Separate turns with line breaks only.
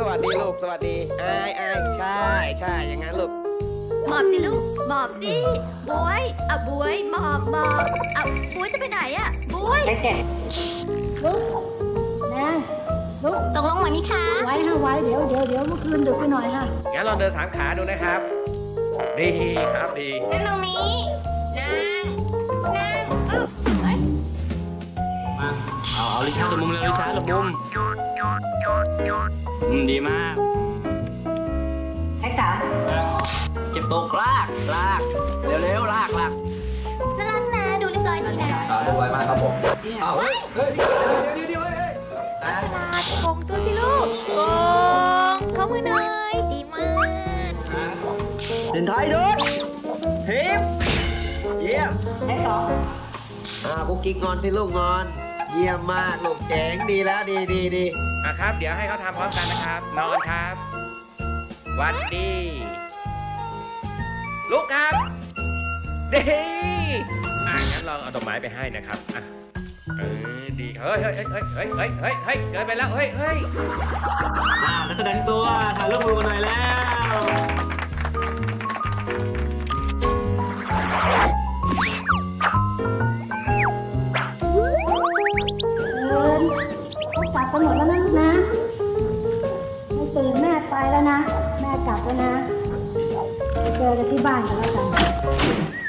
วัสดีลูกสวัสดีอายใช่อย่างนั้นลูก
หมอบสิลูกหมอบสิบวยอ่ะบวยหมอบอ่ะบวยจะไปไหนอ่ะบวย
ได้เจ็ดลุกนะลุก
ตกลงไหวไหมคะ
ไว้ฮะไว้เดี๋ยวเมื่อคืนดึกไปหน่อยฮะ
งั้นลองเดิน3 ขาดูนะครับดีครับดี
นั่งตรงนี้นั่งเฮ้ย
มาเอาลิชาร์ดมุมเลยลิชาร์ดมุมดีมาก
แท็กสาม
เก็บตกลากเร็วลาก
น่ารักนะดูเรียบร้อยดีนะ
เรียบร้อยมากครับผม
เฮ้ยเดี๋ยวฉลาดโกงตัวสิลูกโกงเข้ามือหน่อยดีมาก
เดินไทยด้วยทิปเยี่ยม
แท็กสอง
กุ๊กกิ๊กงอนสิลูกงอนเยี่ยมมากลูกเจ๋งดีแล้วดีครับเดี๋ยวให้เขาทำพร้อมกันนะครับนอนครับวันดีลูกครับดีงั้นลองเอาดอกไม้ไปให้นะครับดีเฮ้ยเกินไปแล้วเฮ้ย
นักแสดงตัวถ่ายรูปมือกันหน่อยแล้ว
เขากลับกันหมดแล้วนะลูกนะไม่ตื่นแม่ไปแล้วนะแม่กลับแล้วนะเจอกันที่บ้านกันแล้วกัน